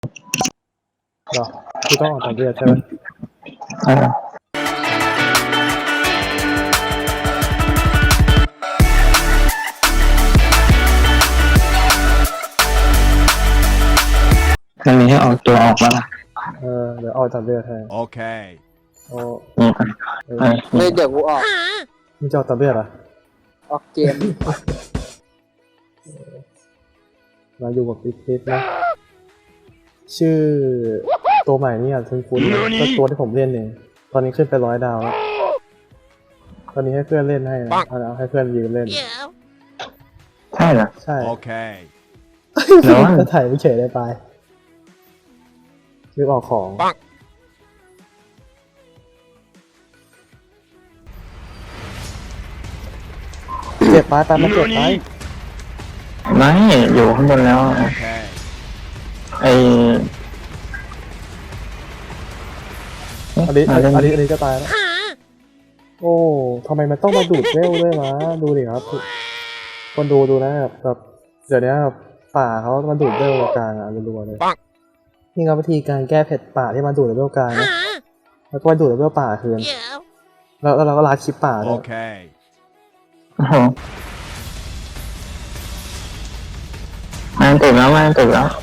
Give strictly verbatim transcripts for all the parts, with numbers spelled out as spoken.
หรอคือต้องออกจากเรือใช่ไหมอ่ามันมีให้ออกตัวออกมาล่ะเออเดี๋ยวออกจากเรือแทนโอเคโอ้นี่ก่อนเออเลยเดี๋ยวกูออกมึงจะออกจากเรือเหรอออกเกมมาอยู่กับปิ๊กปิ๊กนะชื่อตัวใหม่นี่อ่ะคุณคุณก็ตัวที่ผมเล่นเองตอนนี้ขึ้นไปร้อยดาวแล้วตอนนี้ให้เพื่อนเล่นให้นะเอาให้เพื่อนยืนเล่นใช่เหรอใช่โอเคแล้วจะถ่ายไม่เฉยได้ไปนึกออกของเจ็บไปไปมันเจ็บไปไม่อยู่ข้างบนแล้วไออันนี้อันนี้อันนี้ก็ตายแล้วโอ้ทำไมมันต้องมาดูดเวลด้วยวะดูดิครับคนดูดูนะแบบเดี๋ยวนี้ป่าเขามาดูดเวลกลางอ่ะรัวๆเลยนี่ครับวิธีการแก้เผ็ดป่าที่มาดูดเวลกลางนะแล้วก็มาดูดเวลป่าคืนแล้วเราก็ลาคลิปป่าด้วยโอเคโอ้โหมันติดแล้วมันติดแล้ว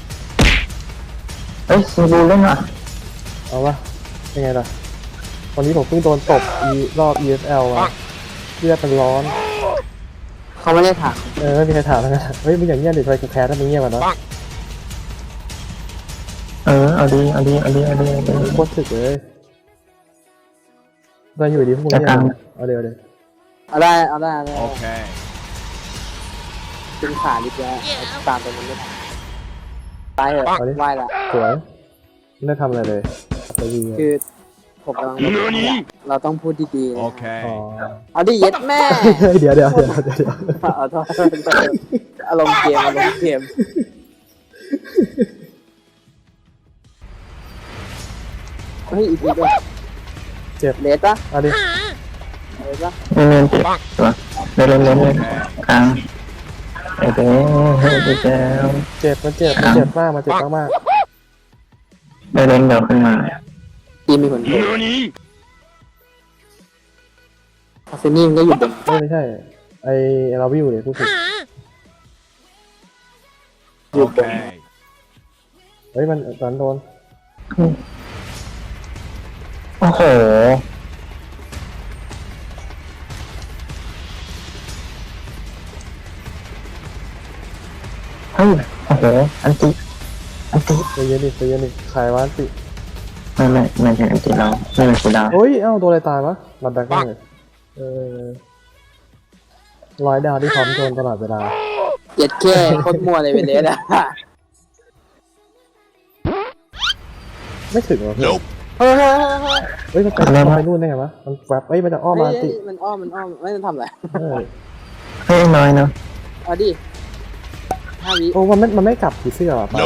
เอ้ยซีบูเล่นอ่ะเอาวะยังไงล่ะวันนี้ผมเพิ่งโดนตบอีรอบ อี เอส แอล อ่ะเลือดเป็นร้อนเขาไม่ได้ถามเออไม่มีใครถามแล้วนะเฮ้ยมึงอย่างเงี้ยดิทำไมกูแพ้ถ้ามึงเงี้ยมันวะเออเอาดีเอาดีเอาดีเอาดีเอาดีโคตรถึกเลยเราอยู่ดีพวกนี้เอาเดี๋ยวเดี๋ยวเอาได้เอาได้เอาได้โอเคเป็นขาลิบแล้วตามตรงนั้นไม่ทันตายเหรอไหวละสวยไม่ได้ทำอะไรเลยไปยิงคือผมกำลังเราต้องพูดดีๆโอเคเอาดิเย็ดแม่เดี๋ยวเดี๋ยวเดี๋ยวเดี๋ยวเอาโทษอารมณ์เกมอารมณ์เกมเฮ้ยอีกทีด้วยเจ็บเลสปะเอาดิเลสปะเล่นเจ็บเล่นเล่นเล่นเล่นกลางเอ้ยเฮ้ยเจ็บเจ็บมันเจ็บมันเจ็บมากมันเจ็บมากมากเล่นเล่นเดี๋ยวขึ้นมาทีมีผลโทษอาเซนี่มันก็อยู่บนไม่ใช่ไอเราวิวเนี่ยผู้ผิดอยู่บนเฮ้ยมันตอนโดนโอ้โหเฮ้ยโอ้โหอันติอันติใจเย็นดิใจเย็นดิขายวันติไม่ไม่ไม่ใช่อันติเราไม่เป็นคูดาวเฮ้ยเอ้าโดนอะไรตายวะบัดดักได้เลยเออร้อยดาวที่พร้อมโดนตลอดเวลาเจ็ดแค่โคตรมัวเลยเป็นเลสอะไม่ถึงหรอเพื่อนเฮ้ยเฮ้ยมันไปมันไปนู่นได้ไงวะมันแวบเฮ้ยมันจะอ้อมมาติมันอ้อมมันอ้อมไม่ต้องทำอะไรเฮ้ยน้อยเนาะเอาดิห้าวิโอ้มันไม่มันไม่กลับผีเสื้อหรอปะ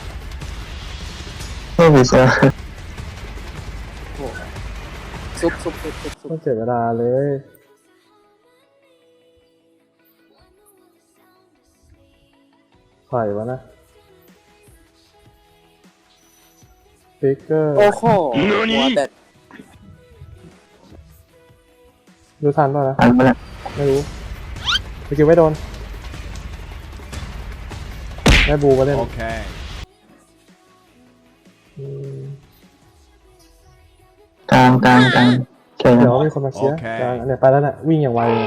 ไม่ผีเสื้อซุบซุบซุบซุบซุบต้องเสียเวลาเลยไข่วะนะฟิกเกอร์โอ้โหหัวแต่ดูทันป่ะนะทันป่ะเนี่ยไม่รู้ไปคิวไม่โดนแม่บูมาเล่นโอเคกลางกลางกลางเดี๋ยวมีคนมาเชียร์กลางเนี่ยไปแล้วน่ะวิ่งอย่างไวเลย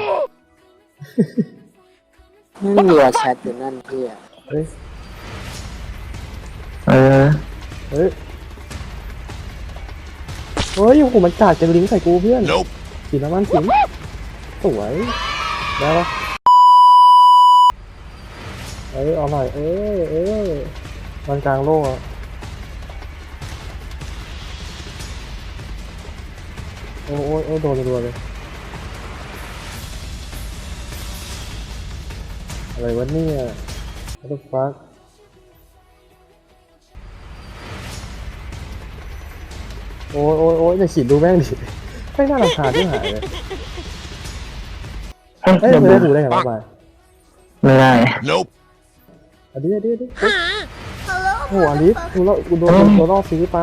ไม่มีว่าแชทอยู่นั่นพี่อ่ะเฮ้ยเออเฮ้ยเฮ้ยโอ้โหมันจัดจะลิงก์ใส่กูเพื่อนสีน้ำมันสิงสวยได้ปะเอ้ยเอาหน่อยเอ้ยเอ้ยมันกลางโลกอะโอ้โอ้โอ้โดนรัวเลยอะไรวะเนี่ยwhat the fuck โอ้ยโอ้ยโอ้ยจะขีดดูแม่งดิไม่น่ารำคาญที่หายเลยเอ้ยไม่ได้ดูได้ไงวะไปไม่ได้อดีอดีอดีโอ้อลิสกูแล้วกูโดนโดนล่อซื้อไป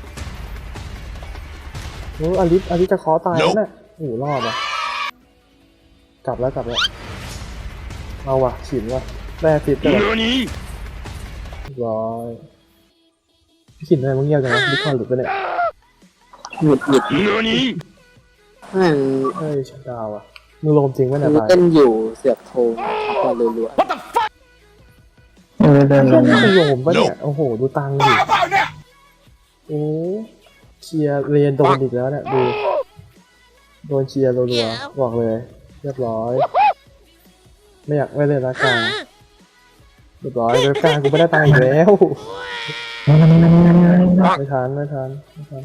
โอ้อลิสอลิสจะขอตายแล้วเนี่ยโอ้รอดอ่ะกลับแล้วกลับแล้วเอาว่ะฉินว่ะแร่ติดกันร้อยพี่ฉินทำไมมึงเงียบจังวะดิคอนหลุดไปเนี่ยหยุดหยุดมันเฮ้ยชัดดาวอ่ะมึงโลมจริงไหมเนี่ยมันตายเต้นอยู่เสือกโทงก่อนรัวเออเดินเฮ้เดิยนมึงโลมปะเนี่ยโอ้โหดูตังค์ดิโอ้เชียร์เรียนโดนอีกแล้วเนี่ยดูโดนเชียร์รัวๆบอกเลยเรียบร้อยไม่อยากไม่เล่นละกันเรียบร้อยเว็บกลางกูไม่ได้ตังค์อีกแล้วนั่นนั่นนั่นนั่นนั่นไม่ทันไม่ทันไม่ทัน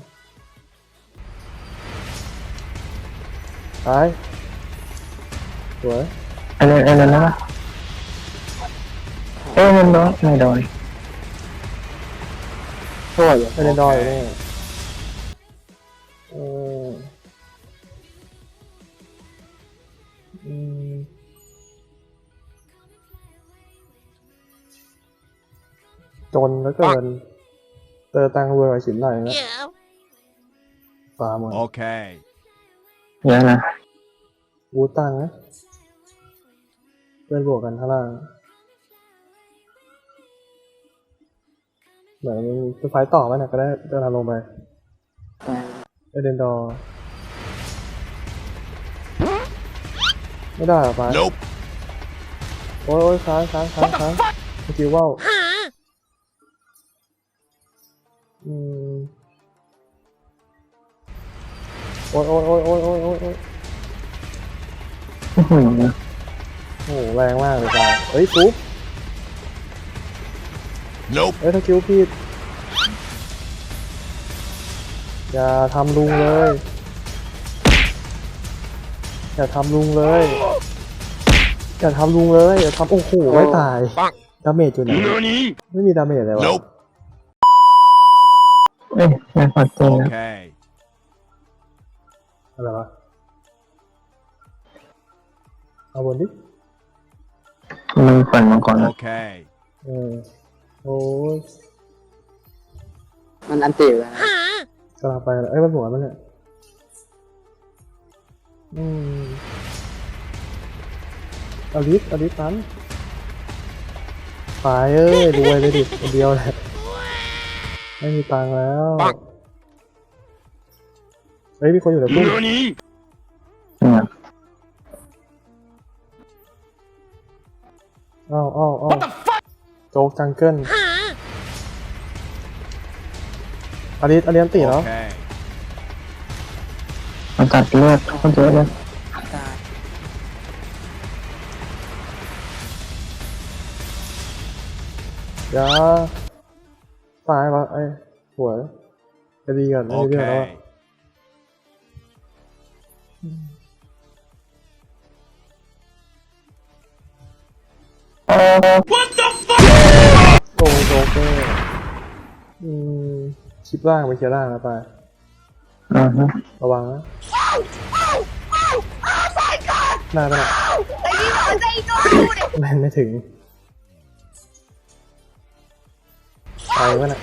ตายสวยไอเดินไอเดินแล้วปะเอ้ยมันโดนไม่โดนๆโทษอยู่ไม่ได้ดอยเลยเอออืมจนแล้วเกินเจอตังค์รวยกว่าฉินหน่อยนะฟาร์มหมด Okay. เยอะนะวูตังค์นะเพื่อนบวกกันข้างล่างเหมือนจะไฟต่อไหมเนี่ยก็ได้เดินทางลงไปไปเอเดนดอร์ไม่ได้เหรอไป Nope. โอ้ยโอ้ยค้างค้างค้างค้างเมื่อกี้ว่าวอืมโอ้ยโอ้ยโอ้ยโอ้ยโอ้ยโอ้ยโอ้ยโอ้โหโอ้โหแรงมากเลยจ้าเฮ้ยปุ๊บ Nope. เฮ้ยถ้าคิวผิดอย่าทำลุงเลยอย่าทำลุงเลยอย่าทำลุงเลยอย่าทำโอ้โหไม่ตายดาเมจอยู่ไหน Nani? ไม่มีดาเมจเลยวะ Nope. เอ้ยไม่พอจริงนะ Okay. อะไรวะเอาบนดิมึงฝันมาก่อนนะ Okay. เออโอ้ยมันอันติวแล้วนะกำลังไปแล้วเอ้ยมันหัวมันเนี่ยอืมอลิสอลิสตันไปเอ้ยรวยเลยดิคนเดียวแหละไม่มีตังค์แล้วเฮ้ยมีคนอยู่ในตู้ Nani? เนี่ยอ้าวอ้าวอ้าวโจ๊กจังเกิลอลิสอลิสอันตีแล้ว Okay. มันตัดเลือดเขาเยอะเลยตายอย่าตายวะไอ้หัวจะดีก่อนไม่ได้เรื่องแล้วอะ Okay. โกงโจ๊กเกอร์อืมคลิปล่างไปเคลียร์ล่างแล้วไปอือฮึระวังนะหน้าไปหน่อยแม่นไม่ถึงไปวะน่ะ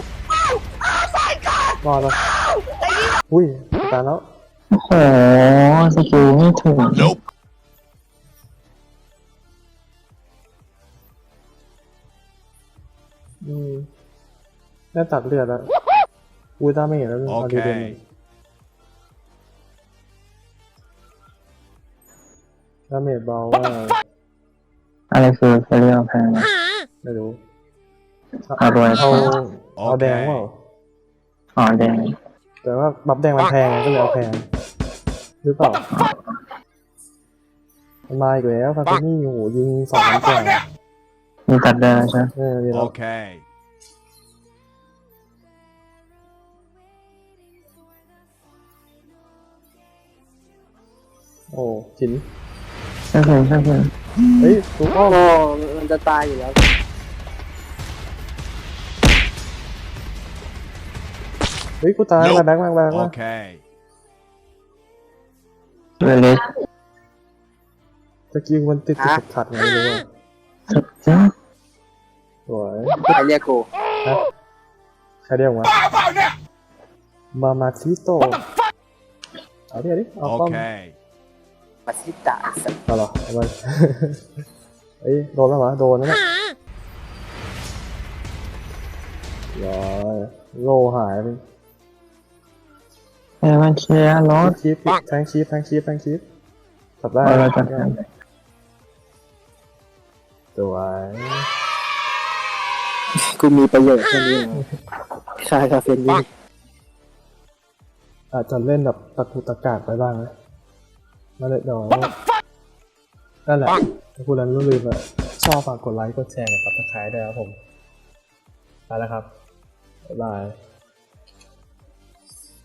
รอดปะอุ้ยตายแล้วโอ้โหสกิลไม่ถูก Nope. อืมได้ตัดเลือดแล้วอุ้ยตาไม่เห็นแล้วเอาดีเด่น Okay. ดาเมจเบาว่าอะไรคือเฟรียลแพงไม่รู้เอารวยเอาเอาแดงเปล่าอ๋อแดงแต่ว่าบัฟแดงมันแพงไงก็เลยเอาแพงหรือเปล่ามันมาอีกแล้วฟาเฟนี่โอ้โหยิงสองนัดกว่ามีตัดได้ใช่ไหมเออดีแล้ว Okay. โอ้หินใช่คือใช่คือเฮ้ยถูกอ้อมโอ้มันจะตายอยู่แล้วเฮ้ยกูตายมาแบงค์มาแบงค์มา Okay. เวลิสตะกี้มันติดติดขัดๆไงไม่รู้ว่าสุดจ้าสวยใครเรียกกูนะใครเรียกวะมามาชิโตะเอาดิเอาดิเอาป้อม Okay. มาซิตะสัตว์เอาเหรอเอาไป เอ้ยโดนแล้ววะโดนแล้วเนี่ยย้อยโลหายไปเอ้ยมันเชียร์รถคีฟแทงคีฟแทงคีฟแทงคีฟสับได้เราจะทสวยกูมีประโยชน์แค่นี้เหรอคาคาเฟนนี่อาจจะเล่นแบบตะกุตะกาดไปบ้างนะนั่นแหละเดี๋ยวนั่นแหละถ้าคุณนั้นลืมอะชอบฝากกดไลค์กดแชร์กับตะไคร้ด้วยครับผมไปแล้วครับบ๊ายบาย